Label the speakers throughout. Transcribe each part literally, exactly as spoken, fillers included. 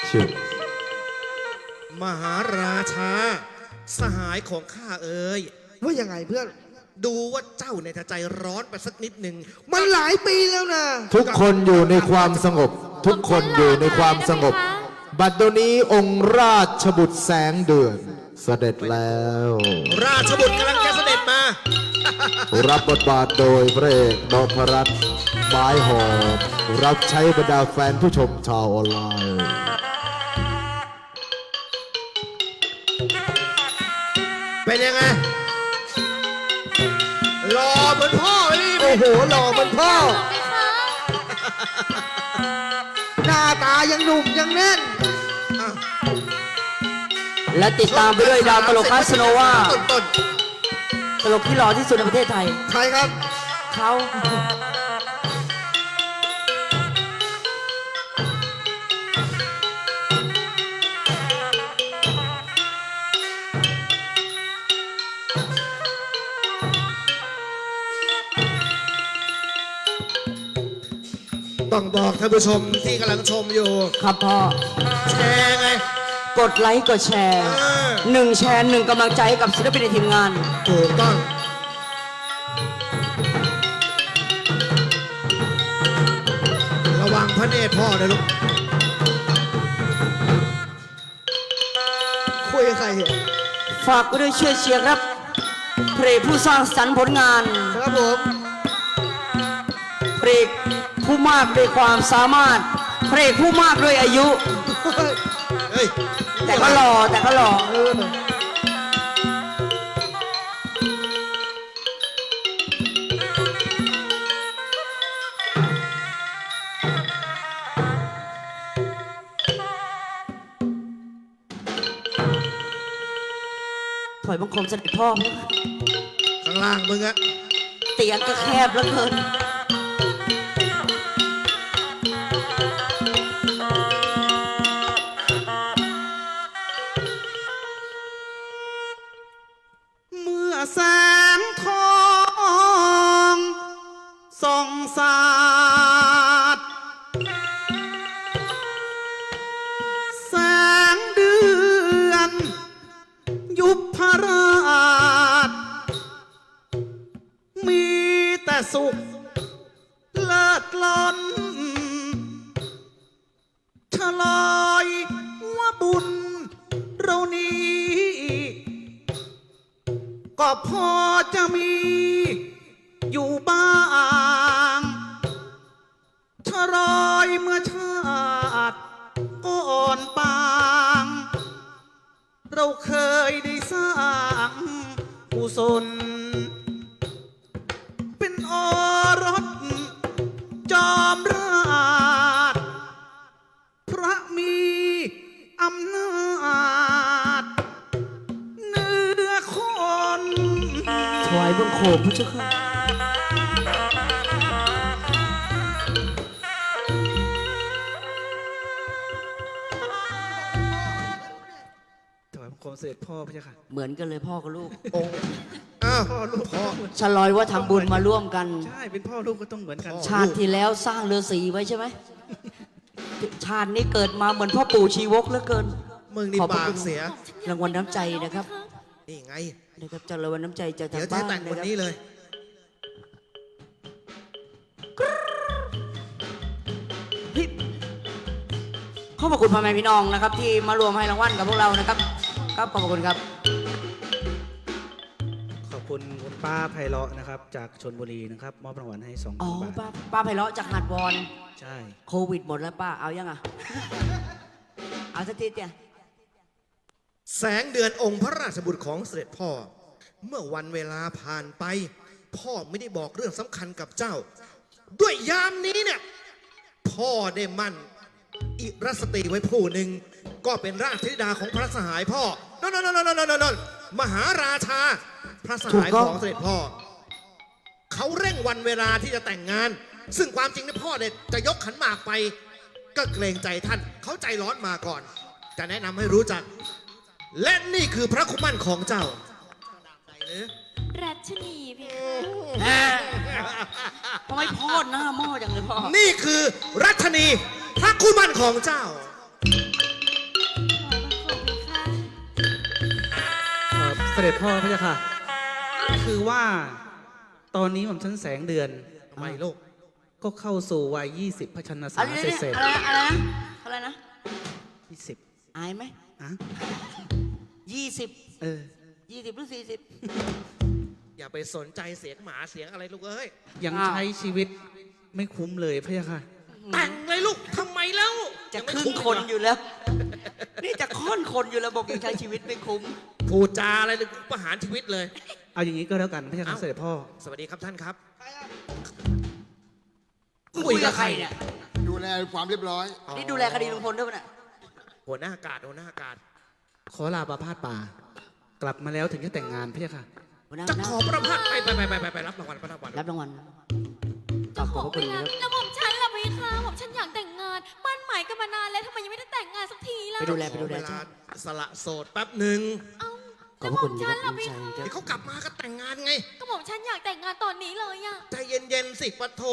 Speaker 1: ชื่อ
Speaker 2: มหาราชาสหายของข้าเอ๋ย
Speaker 3: ว่ายังไงเพื่อน
Speaker 2: ดูว่าเจ้าเนี่ยจะใจร้อนไปสักนิดหนึ่ง
Speaker 3: มันหลายปีแล้วนะ
Speaker 1: ทุกคนอยู่ในความสงบ ทุกคนอยู่ในความสงบ บัดนี้องค์ราชบุตรแสงเดือนเสด็จแล้ว
Speaker 2: ราชบุตรกำลังจะเสด็จมา
Speaker 1: รับบทบาทโดยพระเอกนพรัตน์ไม้หอมรับใช้บรรดาแฟนผู้ชมชาวออนไลน์
Speaker 2: เป็นยังไงหล่อเหมือนพ่อเลย
Speaker 3: โอ้โหหล่อเหมันพ่อ หน้าตายังหนุ่มยังแน่น
Speaker 2: อ่ะ
Speaker 4: และติดตามไปด้วยดาวตลกคาสโนวา
Speaker 2: ต้นต้น
Speaker 4: ตลกที่หล่อที่สุดในประเทศไทย
Speaker 3: ใครครับ
Speaker 4: เขา
Speaker 2: ต้องบอกท่านผู้ชมที่กำลังชมอยู่
Speaker 4: ครับพ่อ
Speaker 2: แชร์ไง
Speaker 4: กดไลค์กดแชร์
Speaker 2: อ่า
Speaker 4: หนึ่งแชร์หนึ่งกำลังใจให้กับศิลปินในทีมงาน
Speaker 2: ถูกต้องระวังพระเนตรพ่อนะลูก
Speaker 3: คุยกับใครเนี่ย
Speaker 4: ฝากไปด้วยช่วยเชียร์ครับเพลงผู้สร้างสรรค์ผลงาน
Speaker 3: ครับผม
Speaker 4: เพลงผู้มากด้วยความสามารถเพลงผู้มากด้วยอายุ
Speaker 2: เฮ้ย
Speaker 4: แต่ก็หล่อแต่ก็หล่อ
Speaker 3: เออ
Speaker 4: ถอยบังคมเสด็จพ่อ
Speaker 2: ข้างล่างมึงอะ
Speaker 4: เตียงก็แคบแล้วเกิน
Speaker 3: เมื่อแสงทองส่องสาดแสงเดือนยุบพราชมีแต่สุขเลิศล้นฉลอยว่าบุญเรานี้ก็พอจะมีอยู่บ้างฉลอยเมื่อชาติก่อนปางเราเคยได้สร้างกุศลเป็นอรสจอมราชพระมีอำนาจเหนือคน
Speaker 4: ถวายบังคมพระเจ้าค่ะ
Speaker 3: ถวายบังคมเสด็จพ่อพระเจ้าค่ะ
Speaker 4: เหมือนกันเลยพ่อกับลูก
Speaker 2: องค์อ้าว
Speaker 3: พ่อลูก
Speaker 2: พ่อ
Speaker 4: ฉลอยว่าทำบุญมาร่วมกัน
Speaker 3: ใช่เป็นพ่อลูกก็ต้องเหมือนกัน
Speaker 4: ชาติที่แล้วสร้างเรือสีไว้ใช่ไหม ชาตินี้เกิดมาเหมือนพ่อปู่ชีวกเหลือเกิน
Speaker 2: มึงนี่
Speaker 4: ขอบพระ
Speaker 2: ปา
Speaker 4: คุ
Speaker 2: ก
Speaker 4: ณ
Speaker 2: เสีย
Speaker 4: รางวัลน้ำใจนะครับ
Speaker 2: นี่ไง
Speaker 4: นะครับจากรางวัลน้ำใจจากทา
Speaker 2: เดี๋ยว
Speaker 4: ง
Speaker 2: จะ
Speaker 4: บ้า
Speaker 2: ให้
Speaker 4: น
Speaker 2: แต่ง
Speaker 4: นะ
Speaker 2: วัน
Speaker 4: ครับ
Speaker 2: นี้เลย
Speaker 4: ขอบพระคุณพ่อแม่พี่น้องนะครับ ที่มารวมให้รางวัลกับพวกเรานะครับครับขอบพระคุณครับ
Speaker 5: ขอบคุณคุณป้าไพเราะนะครับ จากชลบุรีนะครับมอบรางวัลให้สอง
Speaker 4: อ๋อ
Speaker 5: พันบาท
Speaker 4: ป้าป้าไพเราะจากหาดวอน
Speaker 5: ใช่
Speaker 4: โควิดหมดแล้วป้าเอายังอ่ะ เอาสักทีเดียว
Speaker 2: แสงเดือนองค์พระราชบุตรของเสด็จพ่อ เมื่อวันเวลาผ่านไป พ่อไม่ได้บอกเรื่องสำคัญกับเจ้า ด้วยยามนี้เนี่ย พ่อได้มั่นอิรสตรีไว้ผู้หนึ่ง ก็เป็นราชธิดาของพระสหายพ่อนนนนนนนนมหาราชา พระสหาย
Speaker 4: ถูกต้อง
Speaker 2: ของเสด็จพ่อ เขาเร่งวันเวลาที่จะแต่งงาน ซึ่งความจริงเนี่ยพ่อเนี่ยจะยกขันหมากไป ก็เกรงใจท่าน เขาใจร้อนมาก่อน จะแนะนำให้รู้จัก และนี่คือพระคุมันของเจ้า
Speaker 6: รัชนีเพคะ
Speaker 4: แหมทำไมพ่อหน้าหม้อจังเลยพ่อ
Speaker 2: นี่คือรัชนีพระคุมันของเจ้า
Speaker 5: ด็จพ่อพระเจ้าค่ะ คือว่าตอนนี้ผมชั้นแสงเดือน
Speaker 2: ทำไมลูก
Speaker 5: ก็เข้าสู่วัยยี่สิบพระชนษา
Speaker 4: อะไร
Speaker 5: เส
Speaker 4: เนี่ย
Speaker 5: ร็จ
Speaker 4: อะไรนะอะไรนะอะไรนะ
Speaker 5: ยี่สิบ
Speaker 4: อายไหม
Speaker 5: อ่ะ
Speaker 4: ยี่สิบ
Speaker 5: เออ
Speaker 4: ยี่สิบหรือสี่สิบ
Speaker 2: อย่าไปสนใจเสียงหมาเสียงอะไรลูกเอ้ย
Speaker 5: ยัง
Speaker 4: อ้าว
Speaker 5: ใช้ชีวิตไม่คุ้มเลยพระเจ้าค่ะ
Speaker 2: แต่งเลยลูกทำไมแล้ว
Speaker 4: จะ
Speaker 2: ยังไม่
Speaker 4: ครึ่ง
Speaker 2: ม
Speaker 4: คนอยู่แล้ว นี่จะค่อนคนอยู่แล้วบอกยังใช้ชีวิตไม่คุ้ม
Speaker 2: พูดจาอะไรเลยกูประหารชีวิตเลย
Speaker 5: เอาอย่างนี้ก็แล้วกันพระเจ้าค่ะ
Speaker 2: เอ้า
Speaker 5: เสด็จพ่อ
Speaker 2: สวัสดีครับท่านครับ
Speaker 4: คุยกับใครเนี่ย
Speaker 1: ดูแลความเรียบร้อย
Speaker 4: นี่ดูแลคดีลุงพลด้วยปะเนี่ย
Speaker 2: หัวหน้าอากาศหัวหน้าอากาศ
Speaker 5: ขอลาประพาสป่า กลับมาแล้วถึงจะแต่งงานพระเจ้าค่ะ
Speaker 4: หัวหน้า
Speaker 2: จะ
Speaker 4: หัวหน้า
Speaker 2: ขอประพัดไปไปไปไปไปไปรับรางวัลรับรางวัล
Speaker 4: รับรางวัล
Speaker 6: เจ้าของ
Speaker 4: ขอบพ
Speaker 6: เว
Speaker 4: ระคุณ
Speaker 6: ลา
Speaker 4: ครับ
Speaker 6: แล้วหม่อมฉันล่ะพี่คะหม่อมฉันอยากแต่งงานมั่นหมายกันมานานแล้วทำไมยังไม่ได้แต่งงานสักทีล่ะ
Speaker 4: ไปดูแล
Speaker 2: ข
Speaker 4: ไป
Speaker 2: อ
Speaker 4: ดูแล
Speaker 2: เวลา
Speaker 4: เจ้า
Speaker 2: สละโสดแป๊บหนึ่ง
Speaker 6: เอ้า
Speaker 4: ขอบพระคุณ
Speaker 6: แล้วหม่อมฉัน
Speaker 4: ครั
Speaker 6: ล่ะ
Speaker 4: บ
Speaker 6: พี่
Speaker 4: ลุง
Speaker 6: คะ
Speaker 4: ชัย
Speaker 2: เดี๋ยวเขากลับมาก็แต่งงานไง
Speaker 6: ก็หม่อมฉันอยากแต่งงานตอนนี้เลยอะ
Speaker 2: ใจเย็นๆสิปะโท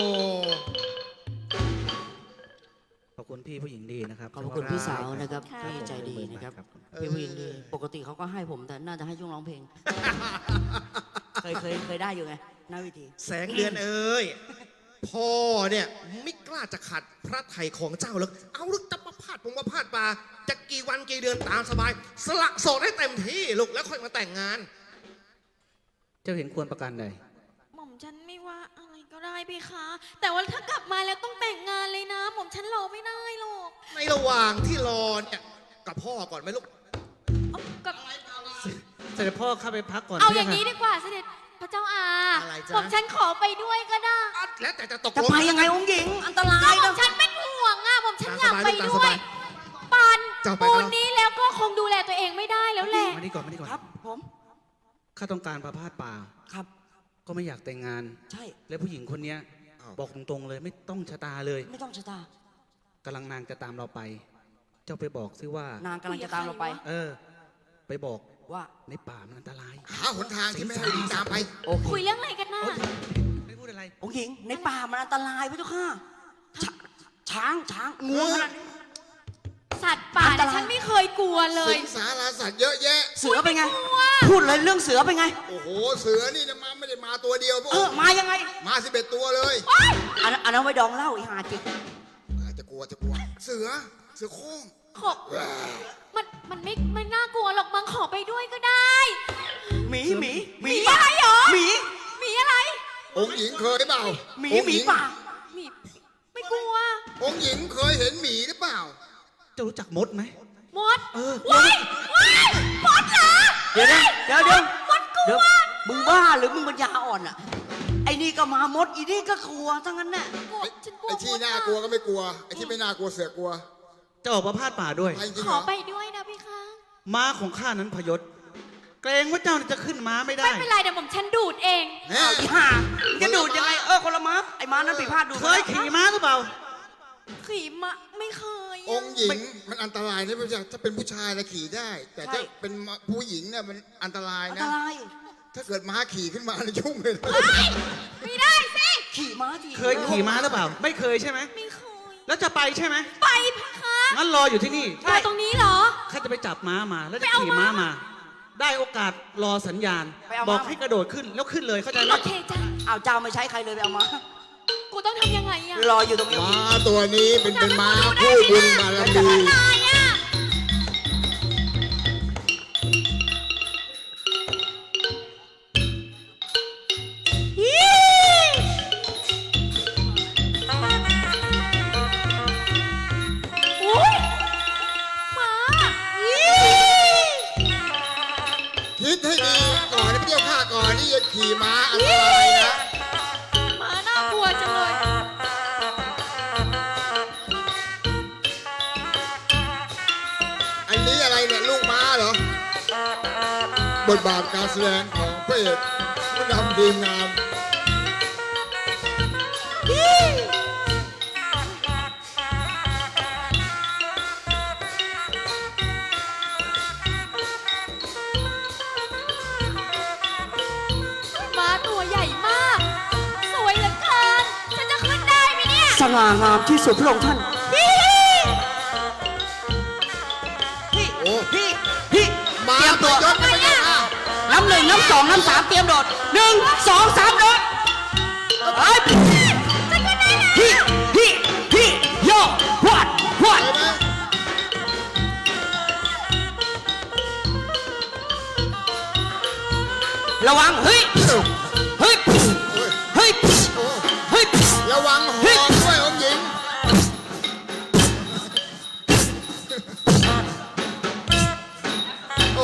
Speaker 5: ขอบคุณพี่ผู้หญิงดีนะครับ
Speaker 4: ขอบพระคุณพี่สาวนะครับ
Speaker 6: ค่ะ
Speaker 4: ที่ใจดีนะครับ
Speaker 5: ครับ
Speaker 4: พี่ผู้หญิงดี ปกติเขาก็ให้ผมแต่น่าจะให้ช่วงร้องเพลง เคยเคยเคยได้อยู่ไงหน้าเวิธี
Speaker 2: แสงเดือนเอ้ยพ่อเนี่ยไม่กล้าจะขัดพระไถ่ของเจ้าเลยเอาลูกจะมาพาดผมมาพาดปลาจะกี่วันกี่เดือนตามสบาย สละโสดให้เต็มที่ลูกแล้วค่อยมาแต่งงาน
Speaker 5: เจ้าเห็นควรประการใด
Speaker 6: หม่อมฉันไม่ว่าอะไรก็ได้พี่คะแต่ว่าถ้ากลับมาแล้วต้องแต่งงานเลยนะหม่อมฉันรอไม่ได้หรอก
Speaker 2: ในระหว่างที่รอเนี่ยกับพ่อก่อนไหมลูก
Speaker 6: เอากับ
Speaker 5: เสด็จพ่อเข้าไปพักก่อน
Speaker 6: เอา
Speaker 5: พระ
Speaker 6: อ
Speaker 5: เจ้
Speaker 6: ย่างนี้
Speaker 5: ค่ะ
Speaker 6: ดีกว่าเสด็จพระเจ้าอา
Speaker 2: อะไรจ๊ะ
Speaker 6: หม่อมฉันขอไปด้วยก็ได้
Speaker 2: อ่ะแล้วแต่จะตก
Speaker 4: จะ
Speaker 2: ลง
Speaker 4: ไปยังไงองค์หญิง อันตรา
Speaker 6: ก็
Speaker 4: ย
Speaker 6: หม่อ
Speaker 4: นะ
Speaker 6: มฉันเป็นห่วงอะหม่อมฉันอยากไป
Speaker 2: ตาม
Speaker 6: ด้
Speaker 2: ส
Speaker 6: ว
Speaker 2: บาย ย
Speaker 6: ปาน
Speaker 2: เจ้าไป
Speaker 6: ปู
Speaker 2: กับ
Speaker 6: น
Speaker 2: เรา
Speaker 6: นี้แล้วก็คงดูแลตัวเองไม่ได้แล้วแหละ
Speaker 5: มานี่ก่อนมานี่ก่อน
Speaker 4: ครับ ผม
Speaker 5: ข้าต้องการประพาสป่า
Speaker 4: ครับ
Speaker 5: ก็ไม่อยากแต่งงาน
Speaker 4: ใช่
Speaker 5: และผู้หญิงคนเนี้ย
Speaker 2: อ้าว
Speaker 5: บอกตรงๆเลยไม่ต้องชะตาเลย
Speaker 4: ไม่ต้องชะตาก
Speaker 5: ำลังนางจะตามเราไป เจ้าไปบอกซิว่า
Speaker 4: นางกำลังจะตามเราไป
Speaker 5: เออ ไปบอก
Speaker 4: ว่า
Speaker 5: ในป่ามันอันตราย
Speaker 2: หาหนทางที่ไม่ให้ดีตามไป
Speaker 4: โอเค
Speaker 6: คุยเรื่องอะไรกันน่ะ
Speaker 5: ไม่พูดอะไร
Speaker 4: องค์หญิง ในป่ามันอันตรายพระเจ้าค่ะชช้างช้างงูขนาดนี้
Speaker 6: สัตว์ป่า
Speaker 4: อันต
Speaker 6: เนี่ย
Speaker 4: ราย
Speaker 6: ฉันไม่เคยกลัวเลย
Speaker 2: สิงสาราสัตว์เยอะแยะ
Speaker 4: เสือเป็นไง พูดเลยเรื่องเสือเป็นไง
Speaker 2: โอ้โห เสือนี่นะมาไม่ได้มาตัวเดียวพวก
Speaker 4: เออ มายังไง
Speaker 2: มาสิบเอ็ดตัวเลย
Speaker 4: อันนั้นอันนั้นไว้ดองเหล้าอีหาจิก
Speaker 2: อาจจะกลัวจะกลัว เสือ เสือโคร่ง
Speaker 6: ขอมันมันไม่ไม่น่ากลัวหรอกมังขอไปด้วยก็ได้
Speaker 4: หมีหมี
Speaker 6: หมีอะไรเหรอ
Speaker 4: หมี
Speaker 6: หมีอะไร
Speaker 2: องค์หญิงเคยเปล่า
Speaker 4: หมี
Speaker 2: องค์
Speaker 4: หมี
Speaker 2: ญิง
Speaker 4: ป่า
Speaker 6: หมีไม่กลัว
Speaker 2: องค์หญิงเคยเห็นหมีหรือเปล่า
Speaker 5: เจ้ารู้จักมดไหม
Speaker 6: มด
Speaker 5: เออ
Speaker 6: ว้ายว้ายมดเหรอ
Speaker 4: เดี๋ยวนะเดี๋ยวเดี๋ยว
Speaker 6: มดกลั
Speaker 4: เดี๋ยว
Speaker 6: ว
Speaker 4: มึงบ้าหรือมึงปัญญาอ่อนอ่ะ ไอ้นี่ก็มามด อีนี่ก็กลัวทั้งนั้นน่ะ
Speaker 6: กลัวฉันกลัว
Speaker 2: ไอ้ที่
Speaker 6: มด
Speaker 2: น่ากลัวก็ไม่กลัว ไอ้ที่ไม่น่ากลัวเสือกลัว
Speaker 5: จะออกประพาสป่าด้วย
Speaker 2: ไปจริง
Speaker 6: ข
Speaker 2: เหร
Speaker 6: อ
Speaker 2: อ
Speaker 6: ไปด้วยนะพี่คะ
Speaker 5: ม้าของข้านั้นพยศ เกรงว่าเจ้าจะขึ้นม้าไม่ได้
Speaker 6: ไม่เป็นไรเดี๋ยวผมฉันดูดเอง
Speaker 2: แน่
Speaker 4: เอาอีห่ามึงจะดูดยังไง เออคนละม้า ไอ้ม้านั้นผิดพลาดดูด
Speaker 5: เคยขี่ม้าหรือเปล่า
Speaker 6: ขี่มะไม่เคยอะ
Speaker 2: องค์หญิงมันอันตรายนะพี่ชายถ้าเป็นผู้ชายนะขี่ได้ แต่ถ้าเป็นผู้หญิงเนี่ยมันอันตราย
Speaker 4: อัน
Speaker 2: นะ
Speaker 4: ตราย
Speaker 2: ถ้าเกิดม้าขี่ขึ้นมาเนี่ยยุ่งเลยนะ
Speaker 6: เฮ้ยไม่ได้สิ
Speaker 4: ขี่ม้าที
Speaker 5: เคยขี่ม้าหรือเปล่า ไม่เคยใช่ไหม
Speaker 6: ไม่เคย
Speaker 5: แล้วจะไปใช่ไหม
Speaker 6: ไปพะคะ
Speaker 5: งั้นรออยู่ที่นี่
Speaker 6: รอตรงนี้เหรอ
Speaker 5: ข้าจะไปจับม้ามาแล้วจะ
Speaker 6: ไปเอา
Speaker 5: ขี่ม้า
Speaker 6: ม้า
Speaker 5: มา ได้โอกาสรอสัญญาณ
Speaker 4: ไปเอา
Speaker 5: บ
Speaker 4: ม้า
Speaker 5: อกให้กระโดดขึ้นแล้วขึ้นเลยเข้าใจไหม
Speaker 6: โอเคจ้ะ
Speaker 4: เอาเจ้าไม่ใช้ใครเลยไปเอาม้า
Speaker 6: กูต้องทำยังไงอะ
Speaker 4: รออยู่ตรงนี้
Speaker 2: ม้าตัวนี้เป็นเป็นม้าผู้บุญบารมี
Speaker 6: ตายอะอี๋อุ๊ยหมาอี๋
Speaker 2: คิดให้ดีก่อนนะพี่เจ้าข้าก่อนที่จะขี่ม้าอันตรายนะ
Speaker 6: หมาน่ากลัวจังเลย
Speaker 2: อันนี้อะไรเนี่ยลูกม้าเหรอ บทบาทการแสดงของพระเอกผู้นำทีมงาน
Speaker 6: หมาตัวใหญ่มาก สวยเหลือเกิน ฉันจะขึ้นได้ไหมเนี่ย
Speaker 4: สง่างามที่สุดพระองค์ท่าน พี่
Speaker 2: โอ้
Speaker 4: พี่ พี่
Speaker 2: ม้า
Speaker 4: เตรียม
Speaker 2: ตั
Speaker 4: ตัว ว
Speaker 2: ยศนะพี่เจ้าข้า
Speaker 4: ำหนึ่งน้ำสองน้ำสามเตรียมโดดหนึ่งสองสามโดดเฮ้ยฮิฮิฮิโยพวดพวดระวังเฮ้ยเฮ้ยเฮ้ยเฮ้ย
Speaker 7: ระวังหอด้วยองค์หญิงโอ้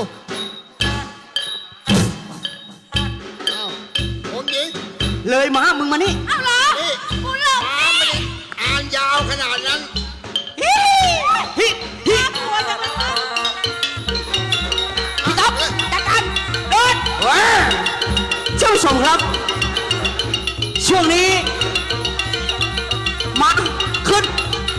Speaker 7: อ้าวองค์หญิง
Speaker 4: เลยมามึงมานี่
Speaker 6: เอาเหรอ
Speaker 7: นี่
Speaker 6: กูหลง
Speaker 7: ม้าไม่ได้อ่านยาวขนาดนั้น
Speaker 4: ฮิฮิฮิ
Speaker 6: กลัวจังเลยวะ
Speaker 4: พี่ต๊อบจัดการโดดเจ้าผู้ชมครับ ช่วงนี้มาขึ้น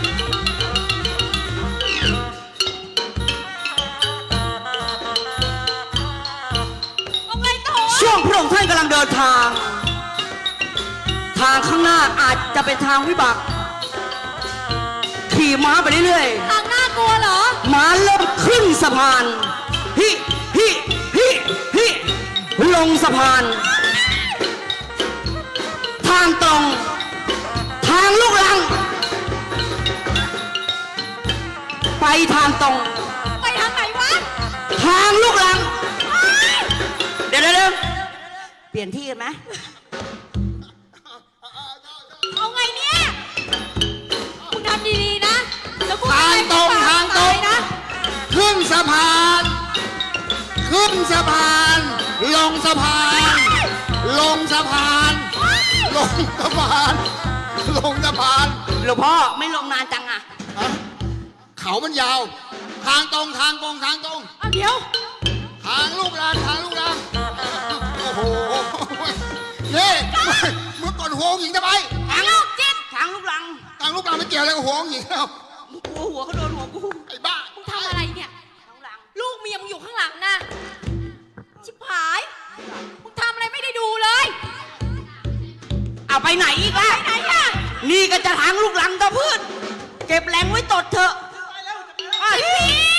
Speaker 6: เอาไงต่อ
Speaker 4: ช่วงพระองค์ท่านกำลังเดินทาง ทางข้างหน้าอาจจะเป็นทางวิบาก ขี่ม้าไปเรื่อย
Speaker 6: ทางน่ากลัวเหรอ
Speaker 4: ๆม้าเริ่มขึ้นสะพานฮิฮิฮิฮิลงสะพาน ทางตรง ทางลูกลัง ไปทางตรง
Speaker 6: ไปทางไหนวะ
Speaker 4: ทางลูกลัง เดี๋ยวเดี๋ยวเดี๋ยวเปลี่ยนที่กันไหม
Speaker 6: เอาไงเนี่ยคุณทำดีๆนะแล้วกู
Speaker 7: ทางตรงทางตรง
Speaker 6: นะ
Speaker 7: ขึ้นสะพาน ขึ้นสะพาน ลงสะพาน ลงสะพาน ลงสะพาน ลงสะพาน
Speaker 4: หลวงพ่อไม่ลงนานจังอ่ะ
Speaker 7: ฮะเขามันยาว ทางตรงทางตรงทางตรง
Speaker 6: เอาเดี๋ยว
Speaker 7: ทางลูกลานทางลูกลานโอ้โหนี่เมื่อก่อนหัวองค์หญิงจะไป
Speaker 4: ทางลูกจิตทางลูกลัง
Speaker 7: ทางลูกลานไม่เกี่ยวอะไรกับหัวองค์หญิงแล้ว
Speaker 4: กูหัวเขาโดนหัวกู
Speaker 7: ไอ้บ้า
Speaker 6: มึงทำอะไรเนี่ย
Speaker 4: ทางหลัง
Speaker 6: ลูกเมียมึงอยู่ข้างหลังนะ ชิบหาย มึงทำอะไรไม่ได้ดูเลย
Speaker 4: เอาไปไหนอีกล่ะ
Speaker 6: ไปไหนอะ
Speaker 4: นี่ก็จะทางลูกลังตะพืชเก็บแรงไว้ตดเถอะ
Speaker 6: พี่